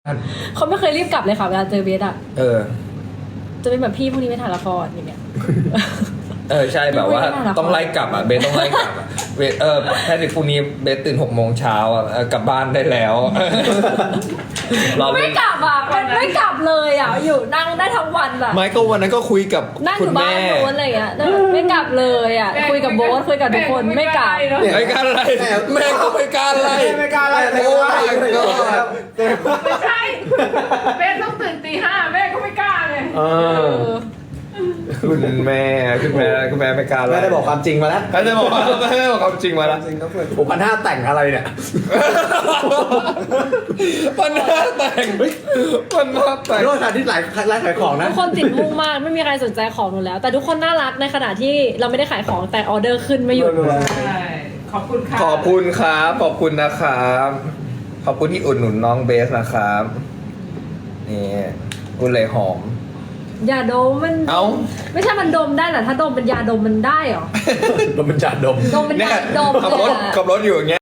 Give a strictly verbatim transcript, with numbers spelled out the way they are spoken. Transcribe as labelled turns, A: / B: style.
A: เขาไม่เคยรีบกลับเลยค่ะเวลาเจอเบสอะ
B: เออ
A: จะเป็นแบบพี่พวกนี้ไม่ถ่ายละครอย่างเงี้ย
B: เออใช่แบบว่า
A: ไม่น่ารัก
B: ต้องไล่กลับอ่ะเบสต้องไล่กลับอ่ะเบสเออแพทริกพรุ่งนี้เบสตื่นหกโมงเช้าอ่ะเออกลับบ้านได้แล้วเรา
A: ไม่กลับอ่ะมันไม่กลับเลยอ่ะอยู่นั่งได้ทั้งวันอ่ะ
B: ไม่ก็วันนั้นก็คุยกับ
A: นั่งอ
B: คุณ
A: ยู่บ้า
B: แม่
A: นโน้นอะไรอย่างเงี้ยไม่กลับเลยอ่ะคุยกับโบ๊ทคุยกับทุกคนไม่กลับ
B: ไม่กล้าไล่แม่ก็ไม่กล้าไล่
C: ไม่กล้าไล่
B: โอ้ my god
D: ไม่ใช่เบสต้องตื่นตีห้าแม่ก็ไม่กล้าเลย
C: เอ
A: เอ
C: อ
A: อ
B: คุณแม่คุณแม่คุณแม่ไม่กล้าไล่
C: แม่ได้บอกความจริงมาแล้ว
B: เขาจะบอกแม่ได้บอกความจริงมาแล้ว
C: จริงก็เพื่อนผมพันห้าแต่งอะไรเนี่ย
B: ปัญหาแต่งปัญหาแต่ง
C: โทษค่ะที่หลายร้านขายของนะ
A: ทุกคนติดมุ่งมากไม่มีใครสนใจของหนูแล้ว แต่ทุกคนน่ารักในขณะที่เราไม่ได้ขายของแต่ออเดอร์ขึ้นไม่หยุด
D: ใช่ขอบคุณค่ะ
B: ขอบคุณครับขอบคุณนะครับขอบคุณที่อุดหนุนน้องเบสนะครับนี่กุเลยหอม
A: ยาดมมัน
B: เอ้า
A: ไม่ใช่มันดมได้เหรอถ้าดมเป็นยาดมมันได้เหรอ
C: ดมเป็นจ่าดม
A: ดมเป็น
B: เนี่ย
A: ยาดม
B: ขับ
A: เล
B: ร
A: ย
B: ถ
A: อะ
B: ขับรถอยู่อย่างเงี้ย